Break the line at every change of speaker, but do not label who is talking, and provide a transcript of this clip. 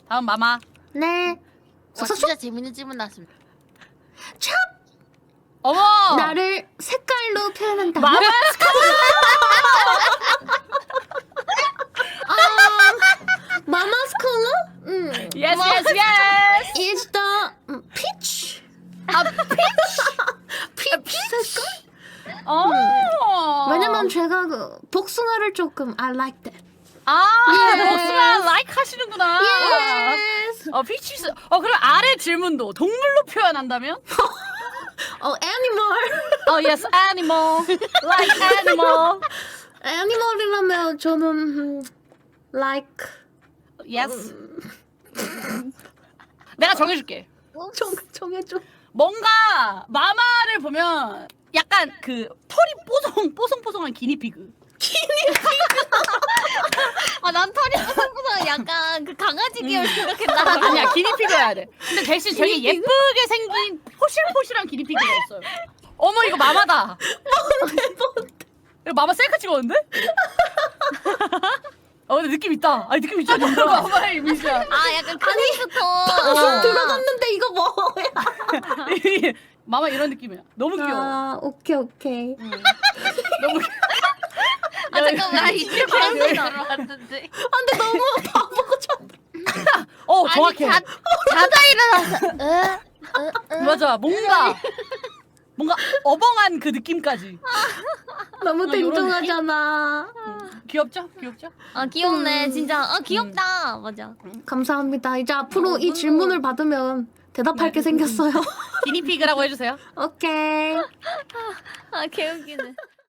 다음 마마.
네.
와, 진짜 재밌는 질문 나왔습니다.
찹!
어머.
나를 색깔로 표현한다.
마마.
Mama's color?
Yes, yes, yes.
Is the peach?
아, peach.
peach 색깔? 왜냐면 제가 그 복숭아를 조금 I like that.
복숭아 like 하시는구나.
Yes.
피치스. 그럼 아래 질문도 동물로 표현한다면?
Animal.
Yes, animal. Like animal.
Animal이라면 저는 like.
Yes. 내가 정해줄게.
정해줘.
뭔가 마마를 보면 약간 그 털이 뽀송뽀송한 기니피그.
난 털이 뽀송뽀송 약간 그 강아지 계열 생각했나?
아니야, 기니피그여야 돼. 근데 대신 되게 예쁘게 생긴 포실포실한 기니피그가 있어요. 어머, 이거 마마다. 이거 마마 셀카 찍었는데? 근데 느낌 있다. 아니, 느낌 있잖아. 마마의 이미지야.
약간 크리스토.
방송 들어갔는데 이거 뭐야?
마마 이런 느낌이야. 너무 귀여워.
오케이.
너무
잠깐만, 이제 방송 들어왔는데.
근데 너무 바보죠.
정확해.
자다 일어나서.
맞아. 뭔가 어벙한 그 느낌까지.
너무
이런
땡뚱하잖아.
귀엽죠?
귀엽네, 진짜. 귀엽다. 맞아.
감사합니다. 이제 앞으로 이 질문을 받으면 대답할 게 생겼어요.
기니피그라고 해주세요.
오케이.
개웃기네.